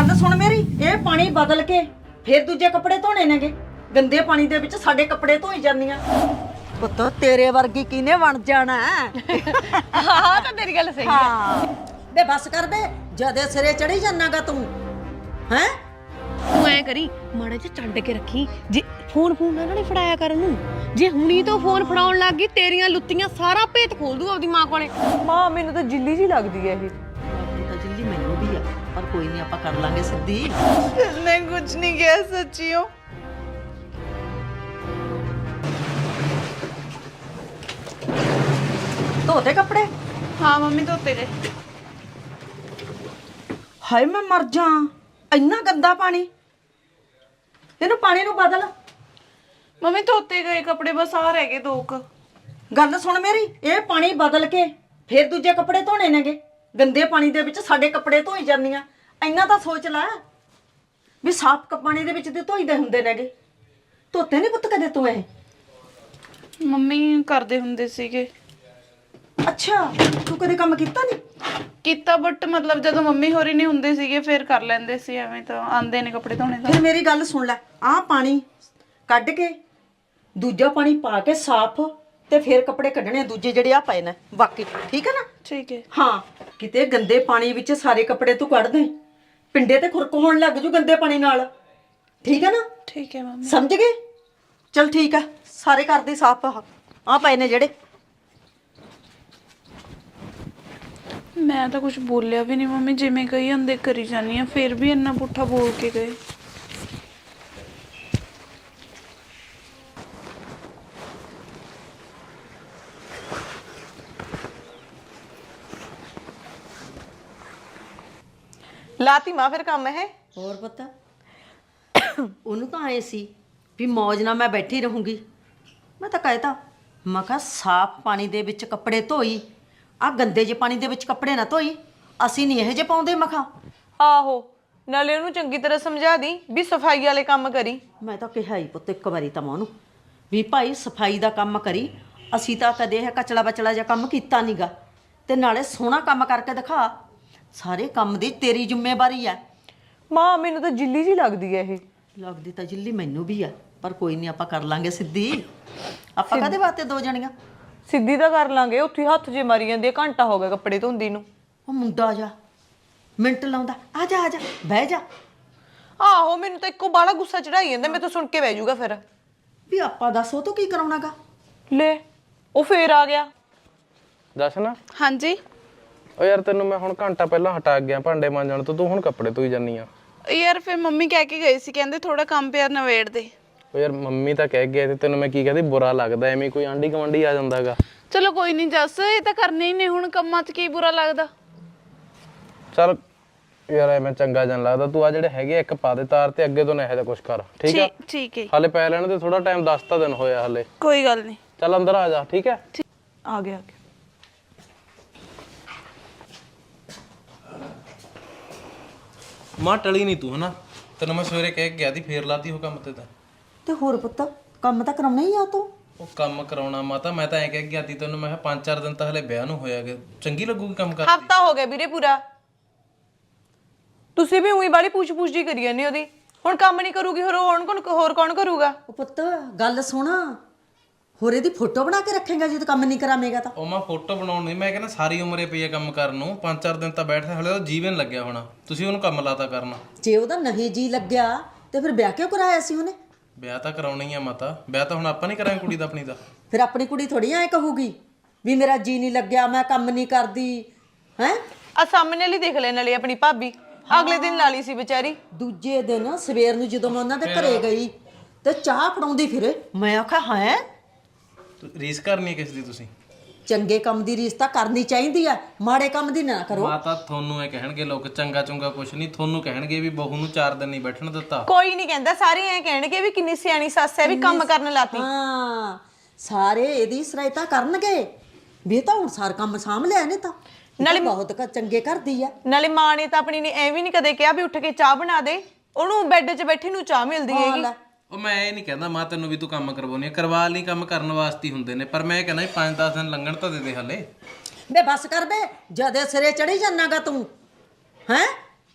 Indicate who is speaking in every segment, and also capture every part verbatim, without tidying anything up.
Speaker 1: ਗੱਲ ਸੁਣ ਮੇਰੀ, ਇਹ ਪਾਣੀ ਬਦਲ ਕੇ ਫਿਰ ਦੂਜੇ ਕੱਪੜੇ ਧੋਣੇ ਨੇਗੇ। ਗੰਦੇ ਪਾਣੀ ਦੇ ਵਿੱਚ ਸਾਡੇ ਕੱਪੜੇ ਧੋਈ ਜਾਂਦੀਆਂ। ਪੁੱਤ ਤੇਰੇ ਵਰਗੀ ਕਿਨੇ ਬਣ ਜਾਣਾ?
Speaker 2: ਹਾਂ ਤਾਂ ਤੇਰੀ ਗੱਲ ਸਹੀ ਹੈ।
Speaker 1: ਹਾਂ ਬੇ ਬਸ ਕਰ ਬੇ, ਜਦੇ ਸਿਰੇ ਚੜੀ ਜਾਣਾਗਾ ਤੂੰ। ਹੈ
Speaker 2: ਤੂੰ ਐ ਕਰੀ, ਮਾੜਾ ਜਿਹਾ ਛੱਡ ਕੇ ਰੱਖੀ। ਜੇ ਫੋਨ ਫੋਨ ਨਾ ਨਾਲੇ ਫੜਾਇਆ ਕਰ ਉਹਨੂੰ। ਜੇ ਹੁਣੀ ਤੋਂ ਫੋਨ ਫੜਾਉਣ ਲੱਗ ਗਈ, ਤੇਰੀਆਂ ਲੁੱਤੀਆਂ ਸਾਰਾ ਭੇਤ ਖੋਲ ਦੂ ਆਪਦੀ ਮਾਂ ਕੋਲੇ।
Speaker 3: ਮਾਂ ਮੈਨੂੰ ਤਾਂ ਜਿੱਲੀ ਜੀ ਲੱਗਦੀ ਹੈ ਇਹ।
Speaker 1: ਤਾਂ ਜਿੱਲੀ ਮੈਨੂੰ ਵੀ ਆ, ਪਰ ਕੋਈ ਨਹੀਂ, ਆਪਾਂ ਕਰ ਲਾਂਗੇ ਸਿੱਧੀ।
Speaker 3: ਮੈਂ ਕੁਝ ਨਹੀਂ ਕਿਹਾ ਸੱਚੀਓ।
Speaker 1: ਧੋਤੇ ਕੱਪੜੇ?
Speaker 3: ਹਾਂ ਮੰਮੀ ਧੋਤੇ ਗਏ।
Speaker 1: ਹਾਏ ਮੈਂ ਮਰ ਜਾ, ਇੰਨਾ ਗੰਦਾ ਪਾਣੀ। ਇਹਨੂੰ ਪਾਣੀ ਨੂੰ ਬਦਲ।
Speaker 3: ਮੰਮੀ ਧੋਤੇ ਗਏ ਕੱਪੜੇ, ਬਸ ਆ ਰਹਿ ਗਏ ਦੋ ਕ।
Speaker 1: ਗੱਲ ਸੁਣ ਮੇਰੀ, ਇਹ ਪਾਣੀ ਬਦਲ ਕੇ ਫਿਰ ਦੂਜੇ ਕੱਪੜੇ ਧੋਣੇ ਨੇਗੇ। ਗੰਦੇ ਪਾਣੀ ਦੇ ਵਿੱਚ ਸਾਡੇ ਕੱਪੜੇ ਧੋਈ ਜਾਂਦੀਆਂ। ਇੰਨਾ ਤਾਂ ਸੋਚ ਲੈ ਵੀ ਸਾਫ਼ ਪਾਣੀ ਦੇ ਵਿੱਚ ਤੇ ਧੋਈਦੇ ਹੁੰਦੇ ਨੇਗੇ। ਧੋਤੇ ਨਹੀਂ ਪੁੱਤ ਕਦੇ ਤੂੰ ਇਹ?
Speaker 3: ਮੰਮੀ ਕਰਦੇ ਹੁੰਦੇ ਸੀਗੇ।
Speaker 1: ਅੱਛਾ, ਤੂੰ ਕਦੇ ਕੰਮ ਕੀਤਾ ਨਹੀਂ?
Speaker 3: ਕੀਤਾ, ਬਟ ਮਤਲਬ ਜਦੋਂ ਮੰਮੀ ਹੋਰੀ ਨਹੀਂ ਹੁੰਦੇ ਸੀਗੇ ਫਿਰ ਕਰ ਲੈਂਦੇ ਸੀ। ਐਵੇਂ ਤਾਂ ਆਂਦੇ ਨੇ ਕੱਪੜੇ ਧੋਣੇ ਦਾ।
Speaker 1: ਫਿਰ ਮੇਰੀ ਗੱਲ ਸੁਣ ਲੈ, ਆਹ ਪਾਣੀ ਕੱਢ ਕੇ ਦੂਜਾ ਪਾਣੀ ਪਾ ਕੇ ਸਾਫ਼, ਤੇ ਫਿਰ ਕੱਪੜੇ ਕੱਢਣੇ ਦੂਜੇ ਜਿਹੜੇ ਆ ਪਏ ਨੇ ਬਾਕੀ। ਠੀਕ ਹੈ ਨਾ?
Speaker 3: ਠੀਕ ਹੈ।
Speaker 1: ਹਾਂ, ਕਿਤੇ ਗੰਦੇ ਪਾਣੀ ਵਿੱਚ ਸਾਰੇ ਕੱਪੜੇ ਤੂੰ ਕੱਢ ਦੇ, ਪਿੰਡੇ ਤੇ ਖੁਰਕ ਹੋਣ ਲੱਗ ਜੂ ਗੰਦੇ ਪਾਣੀ ਨਾਲ। ਠੀਕ ਹੈ ਨਾ?
Speaker 3: ਠੀਕ ਹੈ ਮੰਮੀ।
Speaker 1: ਸਮਝ ਗਏ? ਚਲ ਠੀਕ ਆ, ਸਾਰੇ ਕਰਦੇ ਸਾਫ਼ ਆ ਪਏ ਨੇ ਜਿਹੜੇ।
Speaker 3: ਮੈਂ ਤਾਂ ਕੁਝ ਬੋਲਿਆ ਵੀ ਨਹੀਂ ਮੰਮੀ, ਜਿਵੇਂ ਕਹੀ ਜਾਂਦੇ ਕਰੀ ਜਾਨੀ ਆ, ਫਿਰ ਵੀ ਇੰਨਾ ਪੁੱਠਾ ਬੋਲ ਕੇ ਗਏ।
Speaker 4: ਲਾਤੀ ਮਾਂ ਫਿਰ ਕੰਮ ਇਹ।
Speaker 1: ਹੋਰ ਪਤਾ ਉਹਨੂੰ ਤਾਂ ਆਏ ਸੀ ਵੀ ਮੌਜ ਨਾਲ ਮੈਂ ਬੈਠੀ ਰਹੂੰਗੀ। ਮੈਂ ਤਾਂ ਕਹਿਤਾ, ਮੈਂ ਕਿਹਾ ਸਾਫ਼ ਪਾਣੀ ਦੇ ਵਿੱਚ ਕੱਪੜੇ ਧੋਈ, ਆ ਗੰਦੇ ਜਿਹੇ ਪਾਣੀ ਦੇ ਵਿੱਚ ਕੱਪੜੇ ਨਾ ਧੋਈ। ਅਸੀਂ ਨਹੀਂ ਇਹੋ ਜਿਹੇ ਪਾਉਂਦੇ। ਮੈਂ ਕਿਹਾ
Speaker 4: ਆਹੋ, ਨਾਲੇ ਉਹਨੂੰ ਚੰਗੀ ਤਰ੍ਹਾਂ ਸਮਝਾ ਦੀ ਵੀ ਸਫਾਈ ਵਾਲੇ ਕੰਮ ਕਰੀ।
Speaker 1: ਮੈਂ ਤਾਂ ਕਿਹਾ ਹੀ ਪੁੱਤ ਇੱਕ ਵਾਰੀ ਤਾਂ ਮੈਂ ਉਹਨੂੰ ਵੀ ਭਾਈ ਸਫਾਈ ਦਾ ਕੰਮ ਕਰੀ। ਅਸੀਂ ਤਾਂ ਕਦੇ ਇਹ ਕਚਲਾ ਬਚਲਾ ਜਿਹਾ ਕੰਮ ਕੀਤਾ ਨੀਗਾ, ਤੇ ਨਾਲੇ ਸੋਹਣਾ ਕੰਮ ਕਰਕੇ ਦਿਖਾ। ਸਾਰੇ ਕੰਮ ਦੀ ਤੇਰੀ ਜ਼ਿੰਮੇਵਾਰੀ ਆ।
Speaker 4: ਮਾਂ ਮੈਨੂੰ ਤਾਂ ਜਿੱਲੀ ਜੀ ਲੱਗਦੀ ਹੈ ਇਹ।
Speaker 1: ਲੱਗਦੀ ਤਾਂ ਜਿੱਲੀ ਮੈਨੂੰ ਵੀ ਆ, ਪਰ ਕੋਈ ਨਹੀਂ, ਆਪਾਂ ਕਰ ਲਾਂਗੇ ਸਿੱਧੀ। ਆਪਾਂ ਕਾਹਦੇ ਵਾਸਤੇ ਦੋ ਜਣੀਆਂ?
Speaker 4: ਸਿੱਧੀ ਤਾਂ ਕਰ ਲਾਂਗੇ, ਉੱਥੇ ਹੱਥ ਜੇ ਮਾਰੀ ਜਾਂਦੇ। ਘੰਟਾ ਹੋ ਗਿਆ ਕੱਪੜੇ ਧੋਂਦੀ ਨੂੰ।
Speaker 1: ਉਹ ਮੁੰਡਾ ਜਾ ਮਿੰਟ ਲਾਉਂਦਾ, ਆ ਜਾ ਆ ਜਾ ਬਹਿ ਜਾ।
Speaker 4: ਆਹੋ, ਮੈਨੂੰ ਤਾਂ ਇੱਕੋ ਬਾਲਾ ਗੁੱਸਾ ਚੜਾਈ ਜਾਂਦਾ। ਮੈਂ ਤਾਂ ਸੁਣ ਕੇ ਬਹਿ ਜਾਊਗਾ ਫਿਰ।
Speaker 1: ਵੀ ਆਪਾਂ ਦੱਸ ਉਹ ਤੋਂ ਕੀ ਕਰਾਉਣਾਗਾ?
Speaker 4: ਲੈ ਉਹ ਫੇਰ ਆ ਗਿਆ।
Speaker 5: ਜਸ਼ਨ,
Speaker 3: ਹਾਂਜੀ।
Speaker 5: ਓ ਯਾਰ ਤੈਨੂੰ ਮੈਂ ਹੁਣ ਘੰਟਾ ਪਹਿਲਾਂ ਹਟਾ ਗਿਆ ਭਾਂਡੇ ਮਾਂਜਣ ਤੋਂ, ਤੂੰ ਹੁਣ ਕੱਪੜੇ ਧੋਈ ਜਾਨੀ ਆ।
Speaker 3: ਯਾਰ ਫਿਰ ਮੰਮੀ ਕਹਿ ਕੇ ਗਈ ਸੀ, ਕਹਿੰਦੇ ਥੋੜਾ ਕੰਮ ਪਿਆ ਨਵੇੜ ਦੇ।
Speaker 5: ਓ ਯਾਰ ਮੰਮੀ ਤਾਂ ਕਹਿ ਗਏ ਤੇ ਤੈਨੂੰ ਮੈਂ ਕੀ ਕਹਦੀ, ਬੁਰਾ ਲੱਗਦਾ ਐਵੇਂ ਕੋਈ ਆਂਢੀ ਗੁਆਂਢੀ ਆ ਜਾਂਦਾਗਾ।
Speaker 3: ਚਲੋ ਕੋਈ ਨਹੀਂ ਜੱਸ, ਇਹ ਤਾਂ ਕਰਨੇ ਹੀ ਨੇ ਹੁਣ, ਕੰਮਾਂ 'ਚ ਕੀ ਬੁਰਾ ਲੱਗਦਾ।
Speaker 5: ਚੱਲ ਯਾਰ ਐਵੇਂ ਚੰਗਾ ਜਨ ਲੱਗਦਾ। ਤੂੰ ਆ ਜਿਹੜੇ ਹੈਗੇ ਇੱਕ ਪਾ ਦੇ ਤਾਰ ਤੇ, ਅੱਗੇ ਤੋਂ ਨਾ ਇਹੋ ਜਿਹਾ ਕੁਛ ਕਰ। ਠੀਕ ਆ?
Speaker 3: ਠੀਕ ਹੈ।
Speaker 5: ਹਾਲੇ ਪੈ ਲੈਣ ਦੇ ਥੋੜਾ ਟਾਈਮ, ਦਸ ਤਾਂ ਦਿਨ ਹੋਇਆ ਹਾਲੇ।
Speaker 3: ਕੋਈ ਗੱਲ ਨਹੀਂ।
Speaker 5: ਚੱਲ ਅੰਦਰ ਆ ਜਾ। ਠੀਕ ਹੈ?
Speaker 3: ਆ ਗਿਆ ਆ ਗਿਆ।
Speaker 5: ਮਾਂ ਟਲੀ ਨਹੀਂ ਤੂੰ ਹਨਾ, ਤੈਨੂੰ ਮੈਂ ਸਵੇਰੇ ਕਹਿ ਕੇ ਗਿਆ ਸੀ, ਫੇਰ ਲਾਤੀ ਉਹ ਕੰਮ ਤੇ ਤਾਂ।
Speaker 1: ਤੇ ਹੋਰ ਪੁੱਤ ਕੰਮ ਤਾਂ ਕਰਾਉਣਾ ਹੀ ਆ ਤੂੰ।
Speaker 5: ਉਹ ਕੰਮ ਕਰਾਉਣਾ ਮਾਤਾ, ਮੈਂ ਤਾਂ ਐਂ ਕਹਿ ਕੇ ਗਿਆ ਸੀ ਤੈਨੂੰ, ਮੈਂ ਕਿਹਾ ਪੰਜ ਚਾਰ ਦਿਨ ਤਾਂ ਹਲੇ ਵਿਆਹ ਨੂੰ ਹੋਇਆਗੇ, ਚੰਗੀ ਲੱਗੂਗੀ ਕੰਮ ਕਰਦੀ।
Speaker 4: ਹਫਤਾ ਹੋ ਗਿਆ ਵੀਰੇ ਪੂਰਾ। ਤੁਸੀਂ ਵੀ ਉਹੀ ਵਾਲੀ ਪੁੱਛ ਪੁੱਛ ਜੀ ਕਰੀ ਜਾਂਦੇ ਉਹਦੀ। ਹੁਣ ਕੰਮ ਨਹੀਂ ਕਰੂਗੀ ਹੋਰ ਹੁਣ ਕੌਣ ਹੋਰ ਕੌਣ ਕਰੂਗਾ?
Speaker 1: ਉਹ ਪੁੱਤ ਗੱਲ ਸੁਣ, ਹੋਰ ਇਹਦੀ ਫੋਟੋ ਬਣਾ ਕੇ ਰੱਖੇਗਾ ਜਦੋਂ ਕੰਮ ਨਹੀਂ ਕਰਾਵੇਂਗਾ ਤਾਂ?
Speaker 5: ਉਹ ਮੈਂ ਫੋਟੋ ਬਣਾਉਣ ਨਹੀਂ, ਮੈਂ ਕਹਿੰਦਾ ਸਾਰੀ ਉਮਰੇ ਪਈ ਆ ਕੰਮ ਕਰਨ ਨੂੰ। ਪੰਜ ਚਾਰ ਦਿਨ ਤਾਂ ਬੈਠਦੇ, ਹਲੇ ਉਹ ਜੀਵਨ ਲੱਗਿਆ ਹੋਣਾ, ਤੁਸੀਂ ਉਹਨੂੰ ਕੰਮ ਲਾਤਾ ਕਰਨਾ।
Speaker 1: ਜੇ ਉਹਦਾ ਨਹੀਂ ਜੀ ਲੱਗਿਆ ਤੇ ਫਿਰ ਵਿਆਹ ਕਿਉਂ ਕਰਾਇਆ ਸੀ ਉਹਨੇ?
Speaker 5: ਵਿਆਹ ਤਾਂ ਕਰਾਉਣਾ ਹੀ ਆ ਮਾਤਾ, ਵਿਆਹ ਤਾਂ ਹੁਣ ਆਪਾਂ ਨਹੀਂ ਕਰਾਂਗੇ ਕੁੜੀ ਦਾ ਆਪਣੀ ਦਾ।
Speaker 1: ਫਿਰ ਆਪਣੀ ਕੁੜੀ ਥੋੜੀ ਐ ਕਹੂਗੀ ਵੀ ਮੇਰਾ ਜੀ ਨਹੀਂ ਲੱਗਿਆ, ਮੈਂ ਕੰਮ ਨਹੀਂ ਕਰਦੀ। ਹੈ
Speaker 4: ਆ ਸਾਹਮਣੇ ਵਾਲੀ ਦੇਖ ਲੈ, ਨਾਲੇ ਆਪਣੀ ਭਾਬੀ ਅਗਲੇ ਦਿਨ ਲਾ ਲਈ ਸੀ ਵਿਚਾਰੀ।
Speaker 1: ਦੂਜੇ ਦਿਨ ਸਵੇਰ ਨੂੰ ਜਦੋਂ ਮੈਂ ਉਹਨਾਂ ਦੇ ਘਰੇ ਗਈ ਤੇ ਚਾਹ ਫੜਾਉਂਦੀ ਫਿਰੇ। ਮੈਂ ਆਖਿਆ ਹੈ
Speaker 5: ਰੀਸ ਕਰਨੀ ਹੈ ਕਿਸ ਦੀ ਤੁਸੀਂ?
Speaker 1: ਚੰਗੇ ਕੰਮ ਦੀ ਰੀਸ ਤਾਂ ਕਰਨੀ ਚਾਹੀਦੀ ਆ, ਮਾੜੇ ਕੰਮ ਦੀ ਨਾ ਕਰੋ।
Speaker 5: ਮਾਤਾ ਤੁਹਾਨੂੰ ਇਹ ਕਹਿਣਗੇ ਲੋਕ ਚੰਗਾ ਚੰਗਾ ਕੁਛ ਨਹੀਂ, ਤੁਹਾਨੂੰ ਕਹਿਣਗੇ ਵੀ ਬਹੂ ਨੂੰ ਚਾਰ ਦਿਨ ਨਹੀਂ ਬੈਠਣ ਦਿੱਤਾ।
Speaker 4: ਕੋਈ ਨਹੀਂ ਕਹਿੰਦਾ, ਸਾਰੇ ਐ ਕਹਿਣਗੇ ਵੀ ਕਿੰਨੀ ਸਿਆਣੀ ਸੱਸ ਹੈ, ਵੀ ਕੰਮ ਕਰਨ ਲਾਤੀ।
Speaker 1: ਹਾਂ, ਸਾਰੇ ਇਹਦੀ ਸਰਾਇਤਾ ਕਰਨਗੇ ਵੀ ਇਹ ਤਾਂ ਹੁਣ ਸਾਰ ਕੰਮ ਸਾਂਭ ਲਿਆ ਨੇ ਤਾਂ। ਨਾਲੇ ਬਹੁਤ ਕ ਚੰਗੇ ਕਰਦੀ ਆ।
Speaker 4: ਨਾਲੇ ਮਾਂ ਨੇ ਤਾਂ ਆਪਣੀ ਨੇ ਐ ਵੀ ਨਹੀਂ ਕਦੇ ਕਿਹਾ ਵੀ ਉੱਠ ਕੇ ਚਾਹ ਬਣਾ ਦੇ, ਉਹਨੂੰ ਬੈੱਡ 'ਚ ਬੈਠੀ ਨੂੰ ਚਾਹ ਮਿਲਦੀ ਹੈਗੀ।
Speaker 5: ਉਹ ਮੈਂ ਇਹ ਨਹੀਂ ਕਹਿੰਦਾ ਮਾਂ ਤੈਨੂੰ ਵੀ ਤੂੰ ਕੰਮ ਕਰਵਾਉਣੀ ਆ, ਕਰਵਾ ਲਈ, ਕੰਮ ਕਰਨ ਵਾਸਤੇ ਹੁੰਦੇ ਨੇ, ਪਰ ਮੈਂ ਇਹ ਕਹਿੰਦਾ ਪੰਜ ਦਸ ਦਿਨ ਲੰਘਣ ਤਾਂ ਦੇ ਦੇ ਹਲੇ।
Speaker 1: ਬੇ ਬਸ ਕਰ ਬੇ, ਜਦੇ ਸਿਰੇ ਚੜੀ ਜਾਣਾਗਾ ਤੂੰ। ਹੈ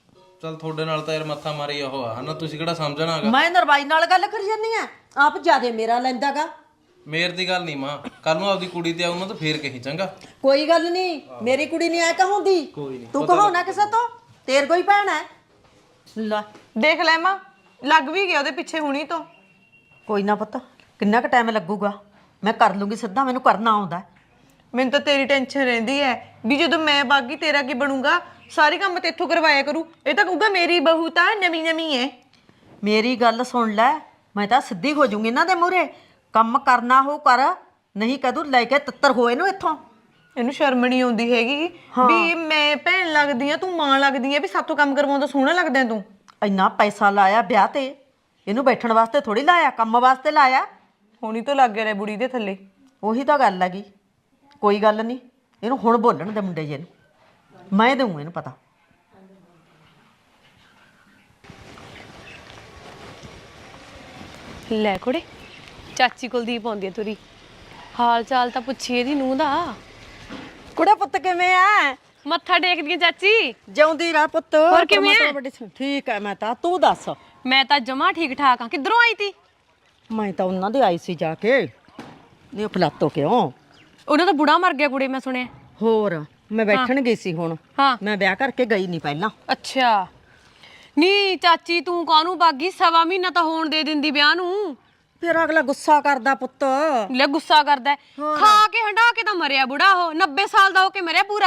Speaker 5: ਚੱਲ ਤੁਹਾਡੇ ਨਾਲ ਤਾਂ ਯਾਰ ਮੱਥਾ ਮਾਰੀ ਉਹ ਆ ਹਨਾ, ਤੁਸੀਂ ਕਿਹੜਾ ਸਮਝਣਾ ਹੈਗਾ।
Speaker 1: ਮੈਂ ਨਰਵਾਈ ਨਾਲ ਗੱਲ ਕਰੀ ਜਾਂਦੀ ਆ, ਆਪ ਜਿਆਦੇ ਮੇਰਾ ਲੈਂਦਾਗਾ।
Speaker 5: ਮੇਰ ਦੀ ਗੱਲ ਨਹੀਂ ਮਾਂ, ਕੱਲ ਨੂੰ ਆਪਦੀ ਕੁੜੀ ਤੇ ਆਊਂਗਾ ਤਾਂ ਫੇਰ ਕਹੀ ਚੰਗਾ।
Speaker 1: ਕੋਈ ਗੱਲ ਨਹੀਂ, ਮੇਰੀ ਕੁੜੀ ਨਹੀਂ ਐ ਕਹੂੰਦੀ, ਤੂੰ ਕਹੋ ਨਾ ਕਿਸੇ ਤੋਂ, ਤੇਰ ਕੋਈ ਭੈਣ ਹੈ। ਲੈ
Speaker 4: ਦੇਖ ਲੈ ਮਾਂ, ਲੱਗ ਵੀ ਗਿਆ ਉਹਦੇ ਪਿੱਛੇ ਹੁਣੀ ਤੋਂ।
Speaker 1: ਕੋਈ ਨਾ ਪੁੱਤ, ਕਿੰਨਾ ਕੁ ਟਾਈਮ ਲੱਗੂਗਾ, ਮੈਂ ਕਰ ਲੂੰਗੀ ਸਿੱਧਾ, ਮੈਨੂੰ ਕਰਨਾ ਆਉਂਦਾ।
Speaker 4: ਮੈਨੂੰ ਤਾਂ ਤੇਰੀ ਟੈਨਸ਼ਨ ਰਹਿੰਦੀ ਹੈ ਵੀ ਜਦੋਂ ਮੈਂ ਬਾਗੀ ਤੇਰਾ ਕੀ ਬਣੂਗਾ, ਸਾਰੇ ਕੰਮ ਤੇ ਇੱਥੋਂ ਕਰਵਾਇਆ ਕਰੂ। ਇਹ ਤਾਂ ਕਹੂਗਾ ਮੇਰੀ ਬਹੂ ਤਾਂ ਨਵੀਂ ਨਵੀਂ ਹੈ।
Speaker 1: ਮੇਰੀ ਗੱਲ ਸੁਣ ਲੈ, ਮੈਂ ਤਾਂ ਸਿੱਧੀ ਹੋ ਜਾਊਂਗੀ ਇਹਨਾਂ ਦੇ ਮੂਹਰੇ, ਕੰਮ ਕਰਨਾ ਹੋ ਕਰ, ਨਹੀਂ ਕਦੋਂ ਲੈ ਕੇ ਤਿੱਤਰ ਹੋਏ ਨੂੰ ਇੱਥੋਂ।
Speaker 4: ਇਹਨੂੰ ਸ਼ਰਮ ਨਹੀਂ ਆਉਂਦੀ ਹੈਗੀ ਵੀ ਮੈਂ ਭੈਣ ਲੱਗਦੀ ਆ, ਤੂੰ ਮਾਂ ਲੱਗਦੀ ਆ, ਵੀ ਸਾਥੋਂ ਕੰਮ ਕਰਵਾਉਂਦਾ ਸੋਹਣਾ ਲੱਗਦਾ ਤੂੰ।
Speaker 1: ਇੰਨਾ ਪੈਸਾ ਲਾਇਆ ਵਿਆਹ ਤੇ, ਇਹਨੂੰ ਬੈਠਣ ਵਾਸਤੇ ਥੋੜੀ ਲਾਇਆ, ਕੰਮ ਵਾਸਤੇ ਲਾਇਆ।
Speaker 4: ਹੁਣੀ ਤੋਂ ਲੱਗ ਗਿਆ ਰੇ ਬੁੜੀ ਦੇ ਥੱਲੇ।
Speaker 1: ਉਹੀ ਤਾਂ ਗੱਲ ਹੈਗੀ। ਕੋਈ ਗੱਲ ਨਹੀਂ, ਇਹਨੂੰ ਹੁਣ ਬੋਲਣ ਦੇ ਮੁੰਡੇ ਜੇ ਨੂੰ, ਮੈਂ ਦਊਂ ਇਹਨੂੰ ਪਤਾ।
Speaker 2: ਲੈ ਕੁੜੇ, ਚਾਚੀ ਕੁਲਦੀਪ ਆਉਂਦੀ ਆ ਤੁਰੀ, ਹਾਲ ਚਾਲ ਤਾਂ ਪੁੱਛੀ ਇਹਦੀ ਨੂੰਹ ਦਾ।
Speaker 1: ਕੁੜੇ ਪੁੱਤ ਕਿਵੇਂ ਆ?
Speaker 2: ਮੱਥਾ ਟੇਕਦੀ ਆ ਚਾਚੀ।
Speaker 1: ਜਿਉਂਦੀ ਰਹਿ ਪੁੱਤ।
Speaker 2: ਹੋਰ ਕਿਵੇਂ ਐ?
Speaker 1: ਪਰਮਾਤਮਾ ਵੱਡੀ- ਠੀਕ ਹੈ ਮੈਂ ਤਾਂ, ਤੂੰ ਦੱਸ।
Speaker 2: ਮੈਂ ਤਾਂ ਜਮਾ ਠੀਕ ਠਾਕ ਆ। ਕਿੱਧਰੋਂ ਆਈ ਤੀ?
Speaker 1: ਮੈਂ ਤਾਂ ਉਹਨਾਂ ਦੇ ਆਈ ਸੀ ਜਾ ਕੇ, ਨਹੀਂ ਫਲਾਤੋ ਕਿਉਂ,
Speaker 2: ਉਹਨਾਂ ਦਾ ਬੁੜਾ ਮਰ ਗਿਆ ਕੁੜੇ, ਮੈਂ ਸੁਣਿਆ।
Speaker 1: ਹੋਰ ਮੈਂ ਬੈਠਣ ਗਈ ਸੀ ਹੁਣ,
Speaker 2: ਹਾਂ
Speaker 1: ਮੈਂ ਵਿਆਹ ਕਰਕੇ ਗਈ ਨਹੀਂ ਪਹਿਲਾਂ।
Speaker 2: ਅੱਛਾ। ਨੀ ਚਾਚੀ ਤੂੰ ਕਾਹਨੂੰ ਬਾਗੀ, ਸਵਾ ਮਹੀਨਾ ਤਾਂ ਹੋਣ ਦੇ ਦਿੰਦੀ ਵਿਆਹ ਨੂੰ।
Speaker 1: ਫਿਰ ਅਗਲਾ ਗੁੱਸਾ ਕਰਦਾ ਪੁੱਤ।
Speaker 2: ਲੈ ਗੁੱਸਾ ਕਰਦਾ ਹੈ। ਖਾ ਕੇ ਹੰਡਾ ਕੇ ਤਾਂ ਮਰਿਆ ਬੁੜਾ, ਉਹ ਨੱਬੇ ਸਾਲ ਦਾ ਹੋ ਕੇ ਮਰਿਆ ਪੂਰਾ।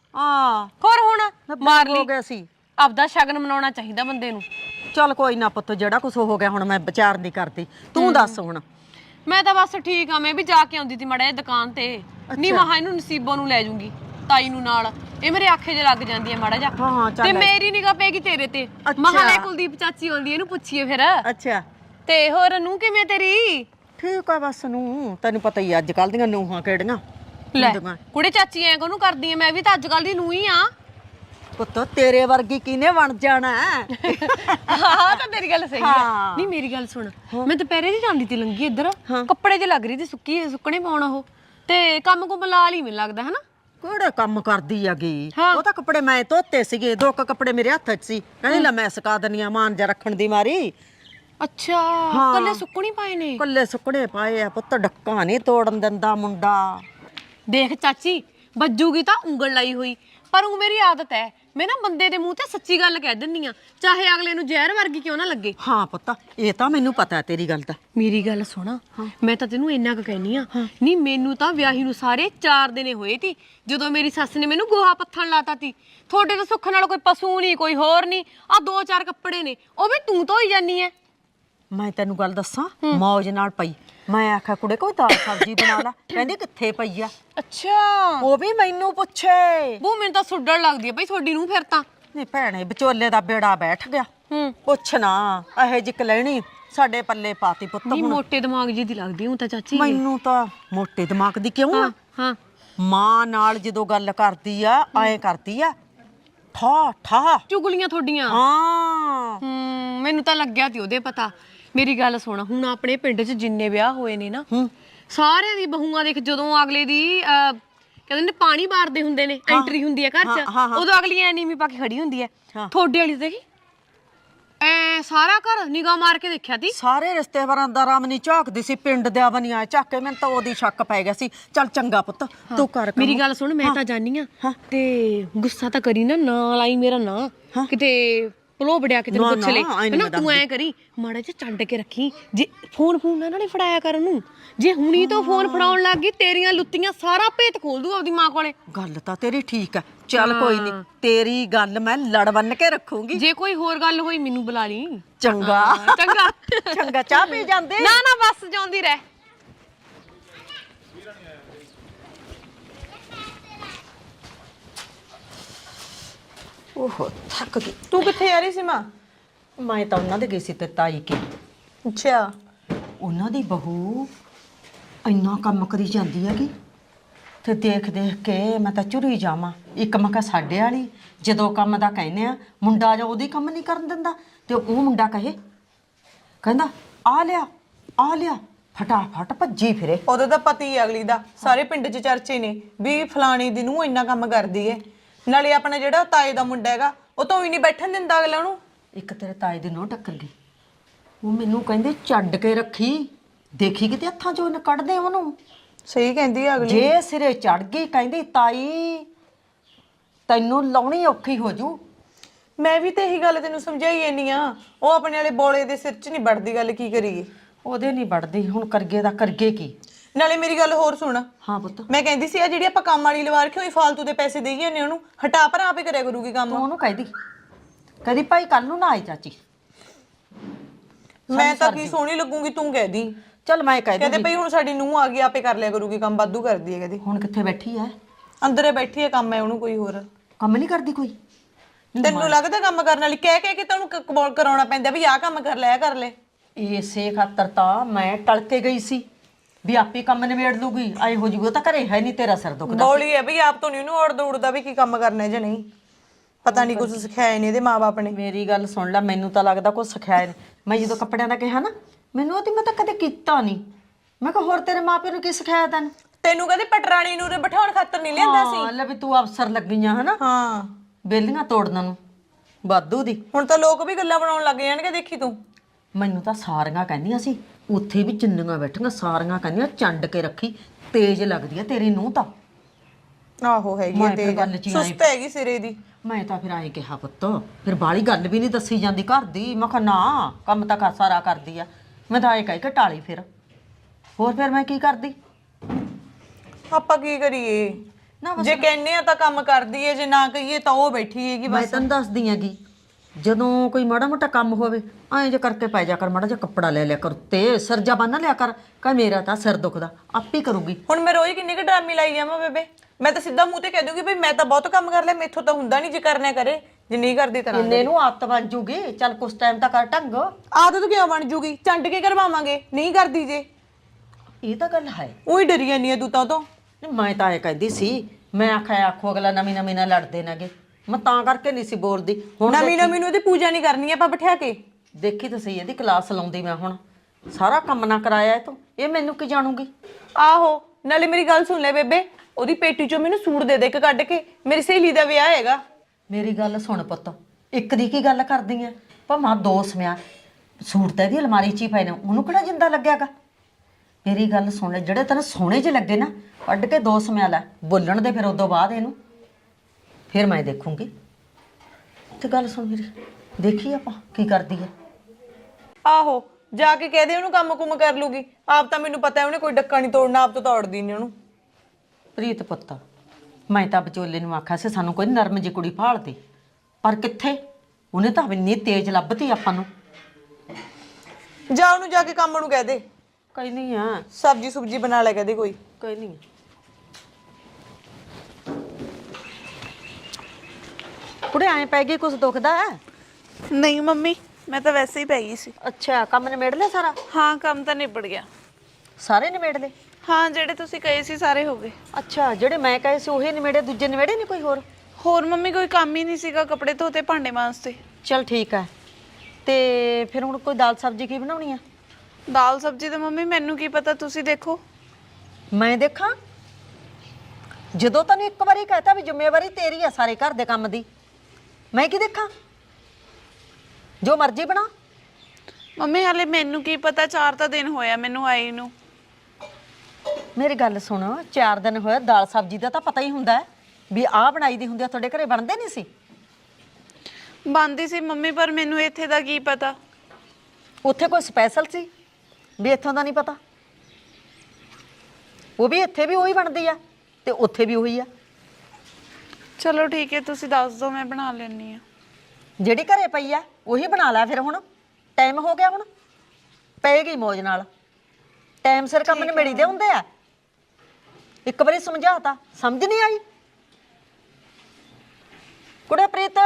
Speaker 1: ਹਾਂ
Speaker 2: ਹੋਰ ਹੁਣ ਮਾਰ
Speaker 1: ਹੋ
Speaker 2: ਲਈ।
Speaker 1: ਗਿਆ ਸੀ।
Speaker 2: ਆਪਦਾ ਸ਼ਗਨ ਮਨਾਉਣਾ ਚਾਹੀਦਾ ਬੰਦੇ ਨੂੰ।
Speaker 1: ਚੱਲ ਕੋਈ ਨਾ ਪੁੱਤ, ਜਿਹੜਾ ਕੁਝ ਹੋ ਗਿਆ ਹੁਣ ਮੈਂ ਵਿਚਾਰ ਨਹੀਂ ਕਰਦੀ, ਤੂੰ ਦੱਸ ਹੁਣ।
Speaker 2: ਮੈਂ ਤਾਂ ਬਸ ਠੀਕ ਆ, ਮੈਂ ਵੀ ਜਾ ਕੇ ਆਉਂਦੀ ਤੀ ਮੜਾ ਦੁਕਾਨ ਤੇ। ਨੀ ਮਹਾ ਇਹਨੂੰ ਨਸੀਬੋਂ ਨੂੰ ਲੈ ਜੂੰਗੀ, ਤਾਈ ਨੂੰ ਨਾਲ, ਇਹ ਮੇਰੇ ਆਖੇ ਜੇ ਲੱਗ ਜਾਂਦੀ ਹੈ ਮਾੜਾ ਜਾ।
Speaker 1: ਹਾਂ ਹਾਂ ਚੱਲ।
Speaker 2: ਤੇ ਮੇਰੀ ਨਿਗਾਹ ਪੈਗੀ ਤੇਰੇ ਤੇ। ਮਹਾ ਲੈ ਕੁਲਦੀਪ ਚਾਚੀ ਆਉਂਦੀ, ਇਹਨੂੰ ਪੁੱਛੀਏ ਫਿਰ।
Speaker 1: ਅੱਛਾ
Speaker 2: ਤੇ ਹੋਰ ਨੂੰ ਕਿਵੇਂ ਤੇਰੀ?
Speaker 1: ਠੀਕ ਆ ਬਸ, ਨੂੰ ਤੈਨੂੰ ਪਤਾ ਹੀ ਅੱਜ ਕੱਲ ਦੀਆਂ ਨੂੰਹਾਂ ਕਿਹੜੀਆਂ।
Speaker 2: ਲੈ ਕੁੜੇ ਚਾਚੀ ਐ ਕੋਨੂੰ ਕਰਦੀ ਐ, ਮੈਂ ਵੀ ਤਾਂ ਅੱਜ ਕੱਲ ਦੀ ਨੂੰ ਹੀ ਆ।
Speaker 1: ਪੁੱਤ ਤੇਰੇ ਵਰਗੀ ਕਿਨੇ ਬਣ ਜਾਣਾ ਹੈ?
Speaker 2: ਹਾਂ ਤਾਂ ਤੇਰੀ ਗੱਲ ਸਹੀ ਹੈ।
Speaker 1: ਹਾਂ।
Speaker 2: ਨਹੀਂ ਮੇਰੀ ਗੱਲ ਸੁਣ, ਮੈਂ ਦੁਪਹਿਰੇ ਦੀ ਜਾਂਦੀ ਤੀ ਲੰਗੀ ਇੱਧਰ, ਕੱਪੜੇ ਜੇ ਲੱਗ ਰਹੀ ਤੇ ਸੁੱਕੀ ਸੁੱਕਣੇ ਪਾਉਣ ਉਹ, ਤੇ ਕੰਮ ਕੁਮ ਲਾ ਲਈ ਮੈਨੂੰ ਲੱਗਦਾ ਹਨਾ।
Speaker 1: ਕਿਹੜੇ ਕੰਮ ਕਰਦੀ ਹੈਗੀ?
Speaker 2: ਹਾਂ।
Speaker 1: ਉਹ ਤਾਂ ਕੱਪੜੇ ਮੈਂ ਧੋਤੇ ਸੀਗੇ, ਦੋ ਕੁ ਕੱਪੜੇ ਮੇਰੇ ਹੱਥ 'ਚ ਸੀ, ਕਹਿੰਦੀ ਲੈ ਮੈਂ ਸੁਕਾ ਦਨੀ ਆ ਮਾਨ ਜਾ ਰੱਖਣ ਦੀ ਮਾਰੀ।
Speaker 2: ਅੱਛਾ ਕੱਲੇ ਸੁੱਕਣੀ ਪਾਏ ਨੇ?
Speaker 1: ਕੱਲੇ ਸੁੱਕਣੇ ਪਾਏ ਆ ਪੁੱਤ, ਡੱਕਾ ਨਹੀਂ ਤੋੜਨ ਦਿੰਦਾ ਮੁੰਡਾ।
Speaker 2: ਦੇਖ ਚਾਚੀ, ਵੱਜੂਗੀ ਤਾਂ ਉਂਗਲ ਲਾਈ ਹੋਈ, ਪਰ ਉਹ ਮੇਰੀ ਆਦਤ ਹੈ, ਮੈਂ ਨਾ ਬੰਦੇ ਦੇ ਮੂੰਹ ਤੇ ਸੱਚੀ ਗੱਲ ਕਹਿ ਦਿੰਦੀ ਆ, ਚਾਹੇ ਅਗਲੇ ਨੂੰ ਜ਼ਹਿਰ ਵਰਗੀ ਕਿਉਂ ਨਾ ਲੱਗੇ।
Speaker 1: ਹਾਂ ਪੁੱਤ ਇਹ ਤਾਂ ਮੈਨੂੰ ਪਤਾ ਤੇਰੀ ਗੱਲ ਦਾ।
Speaker 2: ਮੇਰੀ ਗੱਲ ਸੁਣਾ, ਮੈਂ ਤਾਂ ਤੈਨੂੰ ਇੰਨਾ ਕੁ ਕਹਿਨੀ ਆ, ਨਹੀਂ ਮੈਨੂੰ ਤਾਂ ਵਿਆਹੀ ਨੂੰ ਸਾਰੇ ਚਾਰ ਦਿਨੇ ਹੋਏ ਤੀ ਜਦੋਂ ਮੇਰੀ ਸੱਸ ਨੇ ਮੈਨੂੰ ਗੋਹਾ ਪੱਥਣ ਲਾਤਾ ਤੀ। ਤੁਹਾਡੇ ਤਾਂ ਸੁੱਖ ਨਾਲ ਕੋਈ ਪਸ਼ੂ ਨਹੀਂ, ਕੋਈ ਹੋਰ ਨਹੀਂ, ਆ ਦੋ ਚਾਰ ਕੱਪੜੇ ਨੇ ਉਹ ਵੀ ਤੂੰ ਧੋਈ ਜਾਨੀ ਐ।
Speaker 1: ਮੈਂ ਤੈਨੂੰ ਗੱਲ ਦੱਸਾਂ, ਮੌਜ ਨਾਲ ਪਈ। ਮੈਂ ਆਖਿਆ ਕੁੜੇ ਕੋਈ ਦਾਲ ਸਬਜ਼ੀ ਬਣਾ ਲੈ, ਕਹਿੰਦੀ ਕਿੱਥੇ ਪਈ ਆ।
Speaker 2: ਅੱਛਾ
Speaker 1: ਉਹ ਵੀ ਮੈਨੂੰ ਪੁੱਛੇ।
Speaker 2: ਬੂ ਮੈਨੂੰ ਤਾਂ ਸੁੱਡਣ ਲੱਗਦੀ ਐ ਬਈ ਤੁਹਾਡੀ ਨੂੰ ਫਿਰ ਤਾਂ।
Speaker 1: ਨਹੀਂ ਭੈਣੇ ਵਿਚੋਲੇ ਦਾ ਬੇੜਾ ਬੈਠ ਗਿਆ।
Speaker 2: ਹੂੰ
Speaker 1: ਪੁੱਛ ਨਾ, ਇਹੋ ਜਿਕ ਲੈਣੀ ਸਾਡੇ ਪੱਲੇ ਪਾਤੀ ਪੁੱਤ।
Speaker 2: ਨਹੀਂ
Speaker 1: ਹੁਣ
Speaker 2: ਮੋਟੇ ਦਿਮਾਗ ਜੀ ਦੀ ਲੱਗਦੀ ਹੂੰ ਤਾਂ ਚਾਚੀ।
Speaker 1: ਮੈਨੂੰ ਤਾਂ ਮੋਟੇ ਦਿਮਾਗ ਦੀ ਕਿਉਂ ਆ?
Speaker 2: ਹਾਂ
Speaker 1: ਮਾਂ ਨਾਲ ਜਦੋਂ ਗੱਲ ਕਰਦੀ ਆ ਐਂ ਕਰਦੀ ਆ, ਠਾ ਠਾ
Speaker 2: ਚੁਗਲੀਆਂ ਤੁਹਾਡੀਆਂ।
Speaker 1: ਹਾਂ
Speaker 2: ਹੂੰ ਮੈਨੂੰ ਤਾਂ ਲੱਗਿਆ ਤੀ ਉਹਦੇ ਪਤਾ। ਮੇਰੀ ਗੱਲ ਸੁਣ, ਹੁਣ ਆਪਣੇ ਪਿੰਡ 'ਚ ਜਿੰਨੇ ਵਿਆਹ ਹੋਏ ਨੇ ਨਾ, ਸਾਰਿਆਂ ਦੀ ਬਹੂਆਂ ਦੇਖ, ਜਦੋਂ ਅਗਲੇ ਦੀ ਅਹ, ਕਹਿੰਦੇ ਨੇ ਪਾਣੀ ਮਾਰਦੇ ਹੁੰਦੇ ਨੇ, ਐਂਟਰੀ ਹੁੰਦੀ ਹੈ ਘਰ 'ਚ, ਉਦੋਂ ਅਗਲੀ ਐ ਨੀਵੀਂ ਪਾ ਕੇ ਖੜੀ ਹੁੰਦੀ ਹੈ। ਤੁਹਾਡੇ ਵਾਲੀ ਦੇਖੀ ਐ ਸਾਰਾ ਘਰ ਨਿਗਾਹ ਮਾਰ ਕੇ ਦੇਖਿਆ ਤੀ।
Speaker 1: ਸਾਰੇ ਰਿਸ਼ਤੇਦਾਰਾਂ ਦਾ ਰਾਮ ਨਹੀਂ ਝਾਕਦੀ ਸੀ, ਪਿੰਡ ਦਿਆ ਬਣਿਆ ਝਾਕ ਕੇ ਮੈਨੂੰ ਤਾਂ ਉਹਦੀ ਸ਼ੱਕ ਪੈ ਗਿਆ ਸੀ। ਚੱਲ ਚੰਗਾ ਪੁੱਤ ਤੂੰ ਕਰ ਕੰਮ।
Speaker 2: ਮੇਰੀ ਗੱਲ ਸੁਣ, ਮੈਂ ਤਾਂ ਜਾਨੀ ਆ, ਤੇ ਗੁੱਸਾ ਤਾਂ ਕਰੀ ਨਾ, ਨਾ ਲਾਈ ਮੇਰਾ ਨਾਂ ਕਿਤੇ ਭਲੋ ਬੜਿਆ ਕਿਤੇ ਨੂੰ ਪੁੱਛ ਲੈ ਹਨਾ। ਤੂੰ ਐ ਕਰੀ ਮਾੜਾ ਜਿਹਾ ਛੱਡ ਕੇ ਰੱਖੀ, ਜੇ ਫੋਨ ਫੋਨ ਨਾ ਨਾਲੇ ਫੜਾਇਆ ਕਰ ਉਹਨੂੰ, ਜੇ ਹੁਣੀ ਤੋਂ ਫੋਨ ਫੜਾਉਣ ਲੱਗ ਗਈ ਤੇਰੀਆਂ ਲੁੱਤੀਆਂ ਸਾਰਾ ਭੇਤ ਖੋਲ ਦੂ ਆਪਦੀ ਮਾਂ ਕੋਲੇ।
Speaker 1: ਗੱਲ ਤਾਂ ਤੇਰੀ ਠੀਕ ਆ, ਚੱਲ ਕੋਈ ਨਹੀਂ, ਤੇਰੀ ਗੱਲ ਮੈਂ ਲੜ ਬੰਨ ਕੇ ਰੱਖੂੰਗੀ।
Speaker 2: ਜੇ ਕੋਈ ਹੋਰ ਗੱਲ ਹੋਈ ਮੈਨੂੰ ਬੁਲਾ ਲਈ।
Speaker 1: ਚੰਗਾ
Speaker 2: ਚੰਗਾ
Speaker 1: ਚੰਗਾ, ਚਾਹ ਪੀ ਜਾਂਦੇ।
Speaker 2: ਨਾ ਨਾ ਬਸ ਜਾਉਂਦੀ ਰਹਿ।
Speaker 1: ਓਹੋ ਥੱਕ ਗਈ।
Speaker 4: ਤੂੰ ਕਿੱਥੇ ਆ ਰਹੀ ਸੀ ਮਾਂ?
Speaker 1: ਮੈਂ ਤਾਂ ਉਹਨਾਂ ਦੇ ਗਈ ਸੀ ਤੇ ਤਾਈ ਕੇ।
Speaker 4: ਅੱਛਾ
Speaker 1: ਉਹਨਾਂ ਦੀ ਬਹੂ ਇੰਨਾ ਕੰਮ ਕਰੀ ਜਾਂਦੀ ਹੈਗੀ, ਤੇ ਦੇਖ ਦੇਖ ਕੇ ਮੈਂ ਤਾਂ ਝੁਰੀ ਜਾਵਾਂ। ਇੱਕ ਮੈਂ ਕਿਹਾ ਸਾਡੇ ਵਾਲੀ ਜਦੋਂ ਕੰਮ ਦਾ ਕਹਿੰਦੇ ਆ, ਮੁੰਡਾ ਜਾਂ ਉਹਦੀ ਕੰਮ ਨਹੀਂ ਕਰਨ ਦਿੰਦਾ, ਤੇ ਉਹ ਮੁੰਡਾ ਕਹੇ ਕਹਿੰਦਾ ਆ ਲਿਆ ਆ ਲਿਆ, ਫਟਾਫਟ ਭੱਜੀ ਫਿਰੇ।
Speaker 4: ਉਹਦਾ ਤਾਂ ਪਤੀ ਹੈ ਅਗਲੀ ਦਾ, ਸਾਰੇ ਪਿੰਡ 'ਚ ਚਰਚੇ ਨੇ ਵੀ ਫਲਾਣੀ ਦੀ ਨੂੰ ਇੰਨਾ ਕੰਮ ਕਰਦੀ ਏ। ਨਾਲੇ ਆਪਣਾ ਜਿਹੜਾ ਤਾਏ ਦਾ ਮੁੰਡਾ ਹੈਗਾ ਉਹ ਤਾਂ ਹੀ ਨਹੀਂ ਬੈਠਣ ਦਿੰਦਾ ਅਗਲਾ ਨੂੰ।
Speaker 1: ਇੱਕ ਤੇਰੇ ਤਾਏ ਦੀ ਨੋਹ ਟੱਕਰ ਗਈ, ਉਹ ਮੈਨੂੰ ਕਹਿੰਦੇ ਛੱਡ ਕੇ ਰੱਖੀ, ਦੇਖੀ ਕਿਤੇ ਹੱਥਾਂ ਚੋਂ ਨਾ ਕੱਢਦੇ ਉਹਨੂੰ।
Speaker 4: ਸਹੀ ਕਹਿੰਦੀ ਆ ਅਗਲੀ।
Speaker 1: ਜੇ ਸਿਰੇ ਚੜ ਗਈ ਕਹਿੰਦੀ ਤਾਈ ਤੈਨੂੰ ਲਾਉਣੀ ਔਖੀ ਹੋ ਜੂ।
Speaker 4: ਮੈਂ ਵੀ ਤੇ ਇਹੀ ਗੱਲ ਤੈਨੂੰ ਸਮਝਾਈ ਜਾਂਦੀ ਆ, ਉਹ ਆਪਣੇ ਵਾਲੇ ਬੋਲੇ ਦੇ ਸਿਰ 'ਚ ਨਹੀਂ ਵੜਦੀ ਗੱਲ, ਕੀ ਕਰੀਏ।
Speaker 1: ਉਹਦੇ ਨਹੀਂ ਵੜਦੀ, ਹੁਣ ਕਰਗੇ ਦਾ ਕਰਗੇ ਕੀ।
Speaker 4: ਨਾਲੇ ਮੇਰੀ ਗੱਲ ਹੋਰ ਸੁਣ,
Speaker 1: ਹਾਂ ਪੁੱਤ,
Speaker 4: ਮੈਂ ਕਹਿੰਦੀ ਸੀ ਆ ਜਿਹੜੀ ਆਪਾਂ ਕੰਮ ਵਾਲੀ ਲਵਾ ਰੱਖੀ ਹੋਈ ਫਾਲਤੂ ਦੇ ਪੈਸੇ ਦੇਈ ਜਾਂਦੇ ਉਹਨੂੰ, ਹਟਾ ਪਰ ਆਪੇ ਕਰਿਆ ਕਰੂਗੀ ਕੰਮ।
Speaker 1: ਤੂੰ ਉਹਨੂੰ ਕਹਿਦੀ ਕਦੀ ਭਾਈ ਕੱਲ ਨੂੰ ਨਾ ਆਈ ਚਾਚੀ।
Speaker 4: ਮੈਂ ਤਾਂ ਕੀ ਸੋਹਣੀ ਲੱਗੂਗੀ, ਤੂੰ ਕਹਿਦੀ।
Speaker 1: ਚੱਲ ਮੈਂ ਕਹਿ
Speaker 4: ਕਹਿੰਦੇ
Speaker 1: ਦੂੰਗੀ।
Speaker 4: ਭਈ ਹੁਣ ਸਾਡੀ ਨੂੰਹ ਆ ਗਈ, ਆਪੇ ਕਰ ਲਿਆ ਕਰੂਗੀ ਕੰਮ, ਵਾਧੂ ਕਰਦੀ ਹੈ ਕਦੀ।
Speaker 1: ਹੁਣ ਕਿੱਥੇ ਬੈਠੀ ਐ?
Speaker 4: ਅੰਦਰੇ ਬੈਠੀ ਹੈ, ਕੰਮ ਹੈ ਉਹਨੂੰ ਕੋਈ ਹੋਰ।
Speaker 1: ਕੰਮ ਨਹੀਂ ਕਰਦੀ ਕੋਈ?
Speaker 4: ਤੈਨੂੰ ਲੱਗਦਾ ਕੰਮ ਕਰਨ ਵਾਲੀ? ਕਹਿ ਕਹਿ ਕੇ ਤੈਨੂੰ ਕਬੂਲ ਕਰਾਉਣਾ ਪੈਂਦਾ ਵੀ ਆਹ ਕੰਮ ਕਰ ਲੈ, ਆਹ ਕਰ ਲੈ।
Speaker 1: ਇਸੇ ਖਾਤਰ ਤਾਂ ਮੈਂ ਟਲ ਕੇ ਗਈ ਸੀ ਵੀ ਆਪੇ ਕੰਮ ਨਿਬੇੜ ਲੂਗੀ, ਆਏ ਹੋ ਜੂਗਾ। ਤਾਂ ਘਰੇ ਹੈ ਨਹੀਂ, ਤੇਰਾ ਸਿਰ ਦੁਖਦਾ।
Speaker 4: ਬੋਲੀ ਹੈ ਬਈ ਆਪ ਤੋਂ ਨਹੀਂ ਉਹਨੂੰ ਔੜ ਦੌੜਦਾ ਵੀ ਕੀ ਕੰਮ ਕਰਨਾ ਜਾਂ ਨਹੀਂ, ਪਤਾ ਨਹੀਂ ਕੁਝ ਸਿਖਾਇਆ ਨਹੀਂ ਇਹਦੇ ਮਾਪੇ ਨੇ।
Speaker 1: ਮੇਰੀ ਗੱਲ ਸੁਣ ਲੈ, ਮੈਨੂੰ ਤਾਂ ਲੱਗਦਾ ਕੁਝ ਸਿਖਾਇਆ ਨਹੀਂ। ਮੈਂ ਜਦੋਂ ਕੱਪੜਿਆਂ ਦਾ ਕਿਹਾ ਨਾ, ਮੈਨੂੰ ਉਹਦੀ ਮੈਂ ਤਾਂ ਕਦੇ ਕੀਤਾ ਨਹੀਂ। ਮੈਂ ਕਿਹਾ ਹੋਰ ਤੇਰੇ ਮਾਪੇ ਨੂੰ ਕੀ ਸਿਖਾਇਆ ਤੈਨੂੰ?
Speaker 4: ਤੈਨੂੰ ਕਦੇ ਪਟਰਾਣੀ ਨੂੰ ਬਿਠਾਉਣ ਖਾਤਰ ਨਹੀਂ ਲਿਆਂਦਾ ਸੀ?
Speaker 1: ਹਾਂ ਲੈ ਵੀ ਤੂੰ ਅਫਸਰ ਲੱਗੀਆਂ ਹਨਾ,
Speaker 4: ਹਾਂ,
Speaker 1: ਬੇਲੀਆਂ ਤੋੜਨ ਨੂੰ ਵਾਧੂ ਦੀ।
Speaker 4: ਹੁਣ ਤਾਂ ਲੋਕ ਵੀ ਗੱਲਾਂ ਬਣਾਉਣ ਲੱਗ ਜਾਣਗੇ, ਦੇਖੀ ਤੂੰ।
Speaker 1: ਮੈਨੂੰ ਤਾਂ ਸਾਰੀਆਂ ਕਹਿੰਦੀਆਂ ਸੀ, ਉੱਥੇ ਵੀ ਜਿੰਨੀਆਂ ਬੈਠੀਆਂ ਸਾਰੀਆਂ ਕਹਿੰਦੀਆਂ ਚੰਡ ਕੇ ਰੱਖੀ, ਤੇਜ਼ ਲੱਗਦੀ ਆ ਤੇਰੀ ਨੂੰਹ ਤਾਂ।
Speaker 4: ਆਹੋ ਹੈਗੀ
Speaker 1: ਮੈਂ
Speaker 4: ਹੈ
Speaker 1: ਫਿਰ
Speaker 4: ਤੇ
Speaker 1: ਗੱਲ 'ਚ ਹੀ
Speaker 4: ਸੁਸਤ ਹੈਗੀ ਸਿਰੇ ਦੀ।
Speaker 1: ਮੈਂ ਤਾਂ ਫਿਰ ਐਂ ਕਿਹਾ ਪੁੱਤ, ਫਿਰ ਬਾਹਲੀ ਗੱਲ ਵੀ ਨਹੀਂ ਦੱਸੀ ਜਾਂਦੀ ਘਰ ਦੀ। ਮੈਂ ਕਿਹਾ ਨਾ, ਕੰਮ ਤਾਂ ਖਾ ਸਾਰਾ ਕਰਦੀ ਆ। ਮੈਂ ਤਾਂ ਐਂ ਕਹਿ ਕੇ ਟਾਲੀ ਫਿਰ, ਹੋਰ ਫਿਰ ਮੈਂ ਕੀ ਕਰਦੀ?
Speaker 4: ਆਪਾਂ ਕੀ ਕਰੀਏ?
Speaker 1: ਨਾ
Speaker 4: ਜੇ ਕਹਿੰਨੇ ਆ ਤਾਂ ਕੰਮ ਕਰਦੀ ਏ, ਜੇ ਨਾ ਕਹੀਏ ਤਾਂ ਉਹ ਬੈਠੀ ਹੈਗੀ
Speaker 1: ਮੈਂ
Speaker 4: ਬਸ।
Speaker 1: ਤੈਨੂੰ ਦੱਸਦੀ ਆਂਗੀ, ਜਦੋਂ ਕੋਈ ਮਾੜਾ ਮੋਟਾ ਕੰਮ ਹੋਵੇ ਐਂ ਜੇ ਕਰਕੇ ਪੈ ਜਾ ਕਰ, ਮਾੜਾ ਜਿਹਾ ਕੱਪੜਾ ਲੈ ਲਿਆ ਕਰ ਤੇ ਸਿਰ ਜਾ ਬੰਨ ਲਿਆ ਕਰ, ਕਹ ਮੇਰਾ ਤਾਂ ਸਿਰ ਦੁਖਦਾ, ਆਪੇ ਕਰੂਗੀ।
Speaker 4: ਹੁਣ ਮੈਂ ਰੋਜ਼ ਕਿੰਨੀ ਕੁ ਡਰਾਮੀ ਲਾਈ ਜਾਵਾਂ ਬੇਬੇ? ਮੈਂ ਤਾਂ ਸਿੱਧਾ ਮੂੰਹ ਤੇ ਕਹਿ ਦੂੰਗੀ ਬਈ ਮੈਂ ਤਾਂ ਬਹੁਤ ਕੰਮ ਕਰ ਲਿਆ, ਮੈਥੋਂ ਤਾਂ ਹੁੰਦਾ ਨਹੀਂ, ਜੇ ਕਰਨਾ ਕਰੇ, ਜੇ ਨਹੀਂ ਕਰਦੀ ਤਾਂ ਨਾ
Speaker 1: ਇੰਨੇ ਨੂੰ ਆਦਤ ਬਣ ਜੂਗੀ। ਚੱਲ ਕੁਛ ਟਾਈਮ ਤਾਂ ਕਰ ਢੰਗ।
Speaker 4: ਆਦਤ ਕਿਉਂ ਬਣ ਜੂਗੀ? ਚੰਡ ਕੇ ਕਰਵਾਵਾਂਗੇ, ਨਹੀਂ ਕਰਦੀ ਜੇ।
Speaker 1: ਇਹ ਤਾਂ ਗੱਲ ਹੈ।
Speaker 4: ਉਹੀ ਡਰੀ ਜਾਂਦੀ ਆ ਤੂੰ ਤਾਂ ਉਹ ਤੋਂ।
Speaker 1: ਨਹੀਂ, ਮੈਂ ਤਾਂ ਇਹ ਕਹਿੰਦੀ ਸੀ, ਮੈਂ ਆਖਿਆ ਆਖੋ ਅਗਲਾ ਨਵੀਂ ਨਵੀਂ ਨਾਲ ਲੜਦੇ ਨੇਗੇ, ਮੈਂ ਤਾਂ ਕਰਕੇ ਨਹੀਂ ਸੀ ਬੋਲਦੀ। ਹੁਣ
Speaker 4: ਨਵੀਂ ਨਵੀਂ ਨੂੰ ਇਹਦੀ ਪੂਜਾ ਨਹੀਂ ਕਰਨੀ ਆਪਾਂ ਬਿਠਾ ਕੇ।
Speaker 1: ਦੇਖੀ ਤਾਂ ਸਹੀ, ਇਹਦੀ ਕਲਾਸ ਲਾਉਂਦੀ ਮੈਂ ਹੁਣ, ਸਾਰਾ ਕੰਮ ਨਾ ਕਰਾਇਆ ਇਹ ਤੋਂ, ਇਹ ਮੈਨੂੰ ਕੀ ਜਾਣੂਗੀ।
Speaker 4: ਆਹੋ, ਨਾਲੇ ਮੇਰੀ ਗੱਲ ਸੁਣ ਲੈ ਬੇਬੇ, ਉਹਦੀ ਪੇਟੀ ਚੋਂ ਮੈਨੂੰ ਸੂਟ ਦੇ ਦੇ ਇੱਕ ਕੱਢ ਕੇ, ਮੇਰੀ ਸਹੇਲੀ ਦਾ ਵਿਆਹ ਹੈਗਾ।
Speaker 1: ਮੇਰੀ ਗੱਲ ਸੁਣ ਪੁੱਤ, ਇੱਕ ਦੀ ਕੀ ਗੱਲ ਕਰਦੀ ਐ? ਭਾਵੇਂ ਦੋ ਸਮਿਆ ਸੂਟ ਤਾਂ ਇਹਦੀ ਅਲਮਾਰੀ 'ਚ ਹੀ ਪਏ ਨੇ, ਉਹਨੂੰ ਕਿਹੜਾ ਜਿੰਦਾ ਲੱਗਿਆਗਾ? ਮੇਰੀ ਗੱਲ ਸੁਣ ਲੈ, ਜਿਹੜੇ ਤੈਨੂੰ ਸੋਹਣੇ ਜਿਹੇ ਲੱਗੇ ਨਾ, ਕੱਢ ਕੇ ਦੋ ਸਮਿਆ ਲੈ, ਬੋਲਣ ਦੇ ਫਿਰ ਉਦੋਂ ਬਾਅਦ ਇਹਨੂੰ, ਫਿਰ ਮੈਂ ਦੇਖੂੰਗੀ। ਤੇ ਗੱਲ ਸੁਣ ਮੇਰੀ, ਦੇਖੀ ਆਪਾਂ ਕੀ ਕਰਦੀ ਐ।
Speaker 4: ਆਹੋ, ਜਾ ਕੇ ਕਹਿ ਦੇ ਉਹਨੂੰ ਕੰਮ ਕੁਮ ਕਰ ਲੂਗੀ। ਆਪ ਤਾਂ ਮੈਨੂੰ ਪਤਾ ਉਹਨੇ ਕੋਈ ਡੱਕਾ ਨਹੀਂ ਤੋੜਨਾ, ਆਪ ਤੋਂ ਤੋੜਦੀ ਨਹੀਂ ਉਹਨੂੰ।
Speaker 1: ਪ੍ਰੀਤ ਪੁੱਤ, ਮੈਂ ਤਾਂ ਵਿਚੋਲੇ ਨੂੰ ਆਖਿਆ ਸੀ ਸਾਨੂੰ ਕੋਈ ਨਰਮ ਜਿਹੀ ਕੁੜੀ ਭਾਲ ਦੇ, ਪਰ ਕਿੱਥੇ, ਉਹਨੇ ਤਾਂ ਇੰਨੀ ਤੇਜ਼ ਲੱਭਤੀ ਆਪਾਂ ਨੂੰ।
Speaker 4: ਜਾ ਉਹਨੂੰ ਜਾ ਕੇ ਕੰਮ ਨੂੰ ਕਹਿ ਦੇ,
Speaker 1: ਕੋਈ ਨਹੀਂ ਆ,
Speaker 4: ਸਬਜੀ ਸੁਬਜੀ ਬਣਾ ਲੈ ਕਹਦੇ ਕੋਈ।
Speaker 1: ਕੋਈ ਨਹੀਂ। ਕੁੜੇ ਐਂ ਪੈ ਗਈ, ਕੁਛ ਦੁਖਦਾ ਹੈ?
Speaker 3: ਨਹੀਂ ਮੰਮੀ, ਮੈਂ ਤਾਂ ਵੈਸੇ ਹੀ ਪੈ ਗਈ ਸੀ।
Speaker 1: ਅੱਛਾ, ਕੰਮ ਨਿਬੇੜ ਲਿਆ ਸਾਰਾ?
Speaker 3: ਹਾਂ, ਕੰਮ ਤਾਂ ਨਿਬੜ ਗਿਆ।
Speaker 1: ਸਾਰੇ ਨਿਬੇੜ ਲਏ?
Speaker 3: ਹਾਂ, ਜਿਹੜੇ ਤੁਸੀਂ ਕਹੇ ਸੀ ਸਾਰੇ ਹੋ ਗਏ।
Speaker 1: ਅੱਛਾ, ਜਿਹੜੇ ਮੈਂ ਕਹੇ ਸੀ ਉਹੀ ਨਿਬੇੜੇ, ਦੂਜੇ ਨਿਬੇੜੇ ਨਹੀਂ ਕੋਈ ਹੋਰ?
Speaker 3: ਹੋਰ ਮੰਮੀ ਕੋਈ ਕੰਮ ਹੀ ਨਹੀਂ ਸੀਗਾ, ਕੱਪੜੇ ਧੋਤੇ, ਭਾਂਡੇ ਮਾਂਜਤੇ।
Speaker 1: ਚਲ ਠੀਕ ਹੈ। ਤੇ ਫਿਰ ਹੁਣ ਕੋਈ ਦਾਲ ਸਬਜ਼ੀ ਕੀ ਬਣਾਉਣੀ ਆ?
Speaker 3: ਦਾਲ ਸਬਜ਼ੀ ਤਾਂ ਮੰਮੀ ਮੈਨੂੰ ਕੀ ਪਤਾ, ਤੁਸੀਂ ਦੇਖੋ।
Speaker 1: ਮੈਂ ਦੇਖਾਂ? ਜਦੋਂ ਤੈਨੂੰ ਇੱਕ ਵਾਰੀ ਕਹਤਾ ਵੀ ਜ਼ਿੰਮੇਵਾਰੀ ਤੇਰੀ ਆ ਸਾਰੇ ਘਰ ਦੇ ਕੰਮ ਦੀ, ਮੈਂ ਕੀ ਦੇਖਾਂ? ਜੋ ਮਰਜ਼ੀ ਬਣਾ।
Speaker 3: ਮੰਮੀ ਹਾਲੇ ਮੈਨੂੰ ਕੀ ਪਤਾ, ਚਾਰ ਤਾਂ ਦਿਨ ਹੋਇਆ ਮੈਨੂੰ ਆਈ ਨੂੰ।
Speaker 1: ਮੇਰੀ ਗੱਲ ਸੁਣ, ਚਾਰ ਦਿਨ ਹੋਇਆ, ਦਾਲ ਸਬਜ਼ੀ ਦਾ ਤਾਂ ਪਤਾ ਹੀ ਹੁੰਦਾ ਹੈ ਵੀ ਆਹ ਬਣਾਈ ਦੀ ਹੁੰਦੀ ਆ, ਤੁਹਾਡੇ ਘਰੇ ਬਣਦੇ ਨਹੀਂ ਸੀ?
Speaker 3: ਬਣਦੀ ਸੀ ਮੰਮੀ, ਪਰ ਮੈਨੂੰ ਇੱਥੇ ਦਾ ਕੀ ਪਤਾ।
Speaker 1: ਉੱਥੇ ਕੋਈ ਸਪੈਸ਼ਲ ਸੀ ਵੀ ਇੱਥੋਂ ਦਾ ਨਹੀਂ ਪਤਾ? ਉਹ ਵੀ ਇੱਥੇ ਵੀ ਉਹੀ ਬਣਦੀ ਆ ਤੇ ਉੱਥੇ ਵੀ ਉਹੀ ਆ।
Speaker 3: ਚਲੋ ਠੀਕ ਹੈ, ਤੁਸੀਂ ਦੱਸ ਦਿਓ, ਮੈਂ ਬਣਾ ਲੈਣੀ ਆ।
Speaker 1: ਜਿਹੜੀ ਘਰੇ ਪਈ ਆ ਉਹੀ ਬਣਾ ਲੈ ਫਿਰ। ਹੁਣ ਟਾਈਮ ਹੋ ਗਿਆ, ਹੁਣ ਪਏਗੀ ਮੌਜ ਨਾਲ। ਟਾਈਮ ਸਿਰ ਕੰਮ ਨਿਬੇੜੀ ਦੇ ਹੁੰਦੇ ਆ। ਇੱਕ ਵਾਰੀ ਸਮਝਾਤਾ, ਸਮਝ ਨਹੀਂ ਆਈ? ਕੁੜੇ ਪ੍ਰੀਤ,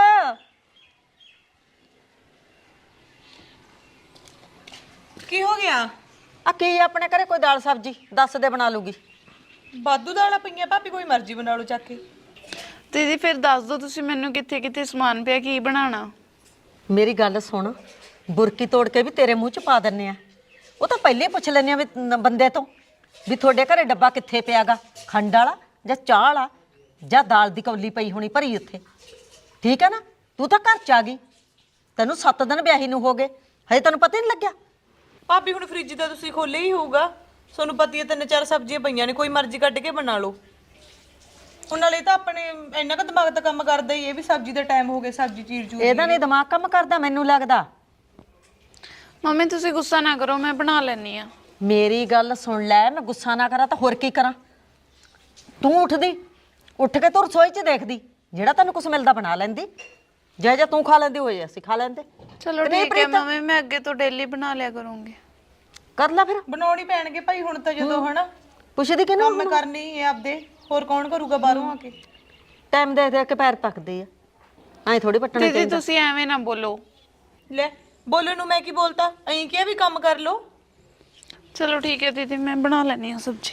Speaker 4: ਕੀ ਹੋ ਗਿਆ?
Speaker 1: ਆ ਕੀ ਆਪਣੇ ਘਰੇ ਕੋਈ ਦਾਲ ਸਬਜ਼ੀ ਦੱਸ ਦੇ, ਬਣਾ ਲੂਗੀ।
Speaker 4: ਬਾਦੂ ਦਾਲਾਂ ਪਈਆਂ ਭਾਬੀ, ਕੋਈ ਮਰਜ਼ੀ ਬਣਾ ਲਓ ਚੱਕ ਕੇ।
Speaker 3: ਦੀਦੀ ਫਿਰ ਦੱਸ ਦਿਓ ਤੁਸੀਂ ਮੈਨੂੰ, ਕਿੱਥੇ ਕਿੱਥੇ ਸਮਾਨ ਪਿਆ, ਕੀ ਬਣਾਉਣਾ।
Speaker 1: ਮੇਰੀ ਗੱਲ ਸੁਣ, ਬੁਰਕੀ ਤੋੜ ਕੇ ਵੀ ਤੇਰੇ ਮੂੰਹ 'ਚ ਪਾ ਦਿੰਨੇ ਆ। ਉਹ ਤਾਂ ਪਹਿਲੇ ਪੁੱਛ ਲੈਂਦੇ ਆ ਵੀ ਨ- ਬੰਦੇ ਤੋਂ ਵੀ ਤੁਹਾਡੇ ਘਰੇ ਡੱਬਾ ਕਿੱਥੇ ਪਿਆਗਾ, ਖੰਡ ਵਾਲਾ ਜਾਂ ਚਾਹ ਵਾਲਾ, ਜਾਂ ਦਾਲ ਦੀ ਕੌਲੀ ਪਈ ਹੋਣੀ ਭਰੀ ਉੱਥੇ, ਠੀਕ ਹੈ ਨਾ? ਤੂੰ ਤਾਂ ਘਰ ਚ ਆ ਗਈ, ਤੈਨੂੰ ਸੱਤ ਦਿਨ ਵਿਆਹੀ ਨੂੰ ਹੋ ਗਏ, ਹਜੇ ਤੈਨੂੰ ਪਤਾ ਹੀ ਨਹੀਂ ਲੱਗਿਆ।
Speaker 4: ਭਾਬੀ ਹੁਣ ਫ੍ਰਿਜ ਤਾਂ ਤੁਸੀਂ ਖੋਲੇ ਹੀ ਹੋਊਗਾ, ਤੁਹਾਨੂੰ ਪਤਾ ਹੀ ਹੈ ਤਿੰਨ ਚਾਰ ਸਬਜ਼ੀਆਂ ਪਈਆਂ ਨੇ, ਕੋਈ ਮਰਜ਼ੀ ਕੱਢ ਕੇ ਬਣਾ ਲਓ। ਹੁਣ ਨਾਲੇ ਤਾਂ ਆਪਣੇ ਇੰਨਾ ਕੁ ਦਿਮਾਗ ਤਾਂ ਕੰਮ ਕਰਦਾ ਹੀ, ਇਹ ਵੀ ਸਬਜ਼ੀ ਦਾ ਟਾਈਮ ਹੋ ਗਿਆ, ਸਬਜ਼ੀ ਚੀਰ ਚੂਰ
Speaker 1: ਇਹਦਾ ਨਹੀਂ ਦਿਮਾਗ ਕੰਮ ਕਰਦਾ, ਮੈਨੂੰ ਲੱਗਦਾ।
Speaker 3: ਮੰਮੀ ਤੁਸੀਂ ਗੁੱਸਾ ਨਾ ਕਰੋ, ਮੈਂ ਬਣਾ ਲੈਣੀ ਆ।
Speaker 1: ਮੇਰੀ ਗੱਲ ਸੁਣ ਲੈ, ਮੈਂ ਗੁੱਸਾ ਨਾ ਕਰਾਂ ਤਾਂ ਹੋਰ ਕੀ ਕਰਾਂ। ਤੂੰ ਉੱਠਦੀ, ਉੱਠ ਕੇ ਤੂੰ ਰਸੋਈ 'ਚ ਦੇਖਦੀ, ਜਿਹੜਾ ਤੈਨੂੰ ਕੁਝ ਮਿਲਦਾ ਬਣਾ ਲੈਂਦੀ, ਜੇ ਜੇ ਤੂੰ ਖਾ ਲੈਂਦੀ ਹੋਏ ਅਸੀਂ ਖਾ ਲੈਂਦੇ।
Speaker 3: ਚਲੋ
Speaker 1: ਤੇ ਨਹੀਂ
Speaker 3: ਠੀਕ ਹੈ
Speaker 1: ਪ੍ਰੀਤ?
Speaker 3: ਮੰਮੀ, ਮੈਂ ਅੱਗੇ ਤੋਂ ਡੇਲੀ ਬਣਾ ਲਿਆ ਕਰੂੰਗੀ।
Speaker 1: ਕਰ ਲੈ ਫਿਰ।
Speaker 4: ਬਣਾਉਣੀ ਪੈਣਗੇ ਭਾਈ ਹੁਣ ਤਾਂ, ਜਦੋਂ ਹਨਾ
Speaker 1: ਪੁੱਛਦੀ ਕਿਹਨੂੰ?
Speaker 4: ਕੰਮ ਕਰਨੀ ਹੀ ਹੈ ਆਪਦੇ, ਹੋਰ ਕੌਣ ਕਰੂਗਾ ਬਾਹਰੋਂ ਆ ਕੇ।
Speaker 1: ਟਾਈਮ ਦੇ ਦੇ ਕੇ ਪੈਰ ਪੱਕਦੇ ਆ, ਐਂ ਥੋੜੀ ਪੱਟਣੇ
Speaker 3: ਦੀਦੀ
Speaker 1: ਚਾਹੀਦੇ।
Speaker 3: ਤੁਸੀਂ ਐਵੇਂ ਨਾ ਬੋਲੋ।
Speaker 4: ਲੈ ਬੋਲੋ ਨੂੰ ਮੈਂ ਕੀ ਬੋਲਤਾ, ਐਂ ਕਿਹਾ ਵੀ ਕੰਮ ਕਰ ਲਓ।
Speaker 3: ਚਲੋ ਠੀਕ ਹੈ ਦੀਦੀ, ਮੈਂ ਬਣਾ ਲੈਣੀ ਆ ਸਬਜ਼ੀ।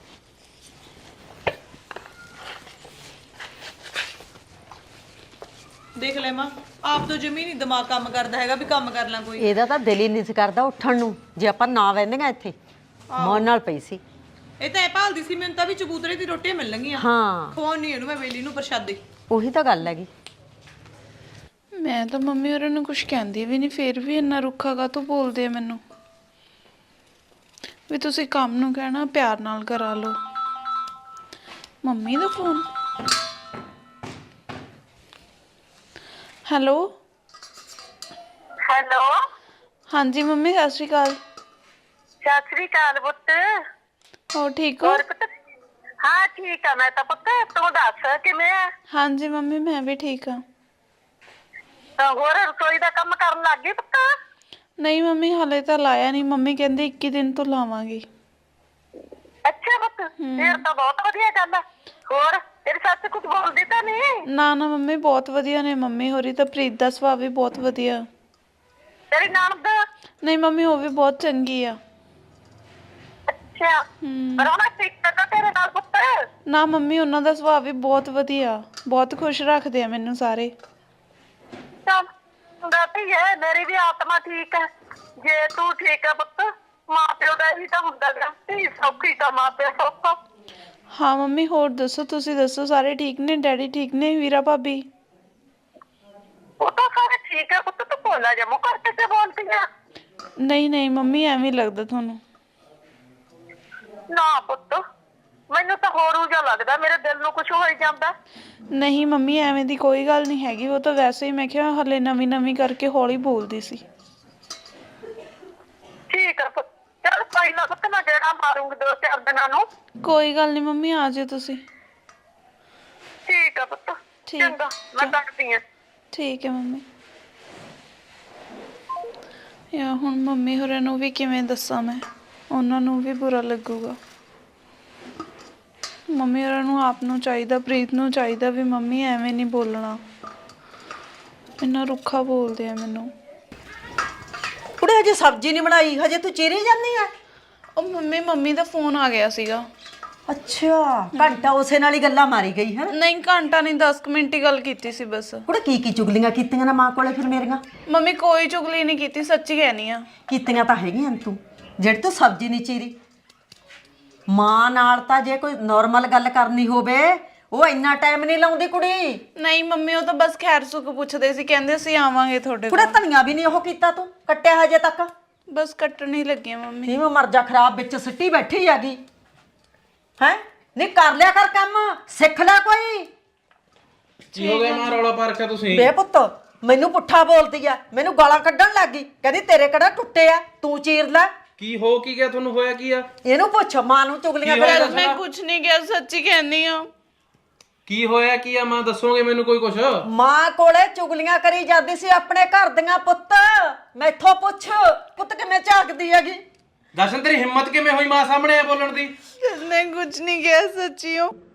Speaker 4: ਦੇਖ ਲੈ ਮਾਂ, ਆਪ ਤੋਂ ਜਮੀ ਨਹੀਂ ਦਿਮਾਗ ਕੰਮ ਕਰਦਾ ਹੈਗਾ ਵੀ ਕੰਮ ਕਰ ਲਾਂ ਕੋਈ।
Speaker 1: ਇਹਦਾ ਤਾਂ ਦਿਲ ਹੀ ਨਹੀਂ ਸੀ ਕਰਦਾ ਉੱਠਣ ਨੂੰ, ਜੇ ਆਪਾਂ ਨਾ ਵਹਿੰਦੀਆਂ ਇੱਥੇ ਮੌਨ ਨਾਲ ਪਈ ਸੀ।
Speaker 4: ਇਹ ਤਾਂ ਐ ਭਾਲਦੀ ਸੀ ਮੈਨੂੰ ਤਾਂ ਵੀ ਚਬੂਤਰੇ ਦੀ ਰੋਟੀਆਂ ਮਿਲਣਗੀਆਂ,
Speaker 1: ਹਾਂ
Speaker 4: ਖਵਾਉਣੀ ਇਹਨੂੰ ਮੈਂ ਵੇਲੀ ਨੂੰ ਪ੍ਰਸ਼ਾਦੇ।
Speaker 1: ਉਹੀ ਤਾਂ ਗੱਲ ਹੈਗੀ।
Speaker 3: ਮੈਂ ਤਾਂ ਮੰਮੀ ਹੋਰਾਂ ਨੂੰ ਕੁਝ ਕਹਿੰਦੀ ਵੀ ਨਹੀਂ, ਫੇਰ ਵੀ ਇੰਨਾ ਰੁੱਖਾ ਕਾਹਤੋਂ ਬੋਲਦੇ ਆ ਮੈਨੂੰ। ਵੀ ਤੁਸੀਂ ਕੰਮ ਨੂੰ ਕਹਿਣਾ ਪਿਆਰ ਨਾਲ ਕਰਾ ਲਓ। ਮੰਮੀ ਦਾ ਫੋਨ। ਹੈਲੋ
Speaker 6: ਹੈਲੋ,
Speaker 3: ਹਾਂਜੀ ਮੰਮੀ, ਸਤਿ ਸ਼੍ਰੀ ਅਕਾਲ।
Speaker 6: ਸਤਿ ਸ੍ਰੀ ਅਕਾਲ ਪੁੱਤ।
Speaker 3: ਹੋਰ ਠੀਕ ਹੋ?
Speaker 6: ਹੋਰ ਪੁੱਤ? ਹਾਂ ਠੀਕ ਆ ਮੈਂ ਤਾਂ ਪੁੱਤ, ਤੂੰ ਦੱਸ ਕਿਵੇਂ ਆ?
Speaker 3: ਹਾਂਜੀ ਮੰਮੀ, ਮੈਂ ਵੀ ਠੀਕ ਆ।
Speaker 6: ਤਾਂ ਹੋਰ ਰਸੋਈ ਦਾ ਕੰਮ ਕਰਨ ਲੱਗ ਗਈ ਪੁੱਤ?
Speaker 3: ਨਹੀਂ ਮੰਮੀ, ਹਾਲੇ ਤਾਂ ਲਾਇਆ ਨਹੀਂ। ਮੰਮੀ ਕਹਿੰਦੇ ਇੱਕੀ ਦਿਨ ਤੋਂ ਲਾਵਾਂਗੀ।
Speaker 6: ਅੱਛਾ ਪੁੱਤ, ਫਿਰ ਤਾਂ ਬਹੁਤ ਵਧੀਆ ਗੱਲ ਆ। ਹੋਰ ਤੇਰੀ ਸੱਸ ਕੁਝ ਬੋਲਦੀ ਤਾਂ ਨਹੀਂ?
Speaker 3: ਨਾ ਨਾ ਮੰਮੀ, ਬਹੁਤ ਵਧੀਆ ਨੇ ਮੰਮੀ ਹੋਰੀ ਤਾਂ। ਪ੍ਰੀਤ ਦਾ ਸੁਭਾਅ ਵੀ ਬਹੁਤ ਵਧੀਆ।
Speaker 6: ਤੇਰੀ ਨਣਦ?
Speaker 3: ਨਹੀਂ ਮੰਮੀ, ਉਹ ਵੀ ਬਹੁਤ ਚੰਗੀ ਆ।
Speaker 6: ਅੱਛਾ, ਰੋਣਾ ਠੀਕ ਤਾਂ ਤੇਰੇ ਨਾਲ ਪੁੱਤ?
Speaker 3: ਨਾ ਮੰਮੀ, ਉਹਨਾਂ ਦਾ ਸੁਭਾਅ ਵੀ ਬਹੁਤ ਵਧੀਆ, ਬਹੁਤ ਖੁਸ਼ ਰੱਖਦੇ ਆ ਮੈਨੂੰ ਸਾਰੇ।
Speaker 6: ਚੱਲ ਦਾਤੀ ਹੈ, ਮੇਰੀ ਵੀ ਆਤਮਾ ਠੀਕ ਹੈ। ਜੇ ਤੂੰ ਠੀਕ ਹੈ ਪੁੱਤ, ਮਾਂ ਪਿਓ ਦਾ ਹੀ ਤਾਂ ਹੁੰਦਾ ਗਾ, ਧੀ ਸੌਖੀ ਤਾਂ ਮਾਂ ਪਿਓ ਸੌਖਾ।
Speaker 3: ਹਾਂ ਮੰਮੀ, ਹੋਰ ਦੱਸੋ, ਤੁਸੀਂ ਦੱਸੋ, ਸਾਰੇ ਠੀਕ ਨੇ? ਡੈਡੀ ਠੀਕ ਨੇ? ਵੀਰਾ ਭਾਬੀ?
Speaker 6: ਉਹ ਤਾਂ ਸਾਰੇ ਠੀਕ ਹੈ ਪੁੱਤ, ਤੂੰ ਭੋਲਾ ਜਿਹਾ ਮੂੰਹ ਕਰਕੇ ਤੇ ਬੋਲਦੀ ਆ।
Speaker 3: ਨਹੀਂ ਨਹੀਂ ਮੰਮੀ, ਐਵੇਂ ਹੀ ਲੱਗਦਾ ਤੁਹਾਨੂੰ।
Speaker 6: ਨਾ ਪੁੱਤ, ਮੈਨੂੰ ਤਾਂ ਹੋਰ ਉਜਾ ਲੱਗਦਾ, ਮੇਰੇ ਦਿਲ ਨੂੰ ਕੁਝ ਹੋਈ ਜਾਂਦਾ।
Speaker 3: ਨਹੀਂ ਮੰਮੀ, ਐਵੇਂ ਦੀ ਕੋਈ ਗੱਲ ਨਹੀਂ ਹੈਗੀ। ਉਹ ਤਾਂ ਵੈਸੇ ਹੀ, ਮੈਂ ਕਿਹਾ ਹਲੇ ਨਵੀਂ ਨਵੀਂ ਕਰਕੇ ਹੌਲੀ ਬੋਲਦੀ ਸੀ।
Speaker 6: ਠੀਕ ਹੈ ਪੁੱਤ, ਚੱਲ ਕੋਈ ਨਾ ਪੁੱਤ, ਮੈਂ ਜਿਹੜਾ ਮਾਰੂੰਗੀ ਦੋ ਚਾਰ ਦਿਨਾਂ ਨੂੰ।
Speaker 3: ਕੋਈ ਗੱਲ ਨਹੀਂ ਮੰਮੀ, ਆ ਜਾਓ ਤੁਸੀਂ।
Speaker 6: ਠੀਕ ਹੈ ਪੁੱਤ,
Speaker 3: ਠੀਕ।
Speaker 6: ਚੰਗਾ ਮੈਂ ਕੱਟਦੀ ਆ।
Speaker 3: ਠੀਕ ਹੈ ਮੰਮੀ। ਯਾ ਹੁਣ ਮੰਮੀ ਹੋਰਾਂ ਨੂੰ ਵੀ ਕਿਵੇਂ ਦੱਸਾਂ ਮੈਂ, ਉਹਨਾਂ ਨੂੰ ਵੀ ਬੁਰਾ ਲੱਗੂਗਾ। ਮੰਮੀ ਹੋਰਾਂ ਨੂੰ ਆਪ ਨੂੰ ਚਾਹੀਦਾ, ਪ੍ਰੀਤ ਨੂੰ ਚਾਹੀਦਾ ਵੀ ਮੰਮੀ ਐਵੇਂ ਨਹੀਂ ਬੋਲਣਾ, ਇੰਨਾ ਰੁੱਖਾ ਬੋਲਦੇ ਆ ਮੈਨੂੰ।
Speaker 1: ਕੁੜੇ ਹਜੇ ਸਬਜ਼ੀ ਨਹੀਂ ਬਣਾਈ, ਹਜੇ ਤੂੰ ਚੀਰੀ ਜਾਂਦੀ ਆ।
Speaker 3: ਉਹ ਮੰਮੀ, ਮੰਮੀ ਦਾ ਫੋਨ ਆ ਗਿਆ ਸੀਗਾ।
Speaker 1: ਅੱਛਾ, ਘੰਟਾ ਉਸੇ ਨਾਲ ਹੀ ਗੱਲਾਂ ਮਾਰੀ ਗਈ ਹੈ।
Speaker 3: ਨਹੀਂ ਘੰਟਾ ਨਹੀਂ, ਦਸ ਕੁ ਮਿੰਟ ਹੀ ਗੱਲ ਕੀਤੀ ਸੀ ਬਸ।
Speaker 1: ਕੁੜੇ ਕੀ ਕੀ ਚੁਗਲੀਆਂ ਕੀਤੀਆਂ ਨਾ ਮਾਂ ਕੋਲੇ ਫਿਰ ਮੇਰੀਆਂ?
Speaker 3: ਮੰਮੀ ਕੋਈ ਚੁਗਲੀ ਨਹੀਂ ਕੀਤੀ, ਸੱਚੀ ਕਹਿਨੀ ਆ।
Speaker 1: ਕੀਤੀਆਂ ਤਾਂ ਹੈਗੀਆਂ ਤੂੰ, ਜਿਹੜੀ ਤੂੰ ਸਬਜ਼ੀ ਨਹੀਂ ਚੀਰੀ। ਮਾਂ ਨਾਲ ਤਾਂ ਜੇ ਕੋਈ ਨਾਰਮਲ ਗੱਲ ਕਰਨੀ ਹੋਵੇ, ਉਹ ਇੰਨਾ ਟਾਈਮ ਨਹੀਂ ਲਾਉਂਦੀ ਕੁੜੀ।
Speaker 3: ਨਹੀਂ ਮੰਮੀ, ਉਹ ਤਾਂ ਬਸ ਖੈਰ ਸੁੱਖ ਪੁੱਛਦੇ ਸੀ, ਕਹਿੰਦੇ ਅਸੀਂ ਆਵਾਂਗੇ ਤੁਹਾਡੇ
Speaker 1: ਕੁੜੇ
Speaker 3: ਕੋਲ।
Speaker 1: ਧਨੀਆ ਵੀ ਨਹੀਂ ਉਹ ਕੀਤਾ ਤੂੰ, ਕੱਟਿਆ ਹਜੇ ਤੱਕ।
Speaker 3: ਬਸ ਕੱਟਣ ਹੀ ਲੱਗੇ ਮੰਮੀ।
Speaker 1: ਕਿਵੇਂ ਮਰ ਜਾ, ਖਰਾਬ ਵਿੱਚ ਸਿੱਟੀ ਬੈਠੀ ਹੈਗੀ ਹੈ। ਨਹੀਂ ਕਰ ਲਿਆ ਕਰ ਕੰਮ, ਸਿੱਖ ਲੈ ਕੋਈ।
Speaker 5: ਕੀ ਹੋ ਗਿਆ ਮਾਂ, ਰੌਲਾ ਪਾ ਰੱਖਿਆ ਤੁਸੀਂ?
Speaker 1: ਬੇ ਪੁੱਤ, ਮੈਨੂੰ ਪੁੱਠਾ ਬੋਲਦੀ ਆ, ਮੈਨੂੰ ਗਾਲਾਂ ਕੱਢਣ ਲੱਗ ਗਈ, ਕਹਿੰਦੀ ਤੇਰੇ ਕਿਹੜਾ ਟੁੱਟੇ ਆ, ਤੂੰ ਚੀਰ ਲੈ।
Speaker 5: ਕੀ ਹੋ ਕੀ ਗਿਆ ਤੁਹਾਨੂੰ, ਹੋਇਆ ਕੀ ਆ?
Speaker 1: ਇਹਨੂੰ ਪੁੱਛ, ਮਾਂ ਨੂੰ ਚੁਗਲੀਆਂ
Speaker 5: ਕੀ ਹੋਇਆ?
Speaker 1: ਕਰ।
Speaker 3: ਮੈਂ ਕੁਝ ਨਹੀਂ ਕਿਹਾ, ਸੱਚੀ ਕਹਿੰਦੀ ਆ।
Speaker 5: ਕੀ ਹੋਇਆ ਕੀ ਆ ਮਾਂ, ਦੱਸੋਗੇ ਮੈਨੂੰ ਕੋਈ ਕੁਛ?
Speaker 1: ਮਾਂ ਕੋਲੇ ਚੁਗਲੀਆਂ ਕਰੀ ਜਾਂਦੀ ਸੀ ਆਪਣੇ ਘਰ ਦੀਆਂ। ਪੁੱਤ ਮੈਥੋਂ ਪੁੱਛ, ਪੁੱਤ ਕਿਵੇਂ ਝਾਕਦੀ ਹੈਗੀ।
Speaker 5: ਦਰਸ਼ਨ, ਤੇਰੀ ਹਿੰਮਤ ਕਿਵੇਂ ਹੋਈ ਮਾਂ ਸਾਹਮਣੇ ਆ ਬੋਲਣ ਦੀ?
Speaker 3: ਮੈਂ ਕੁਝ ਨਹੀਂ ਕਿਹਾ, ਸੱਚੀ ਹੋ।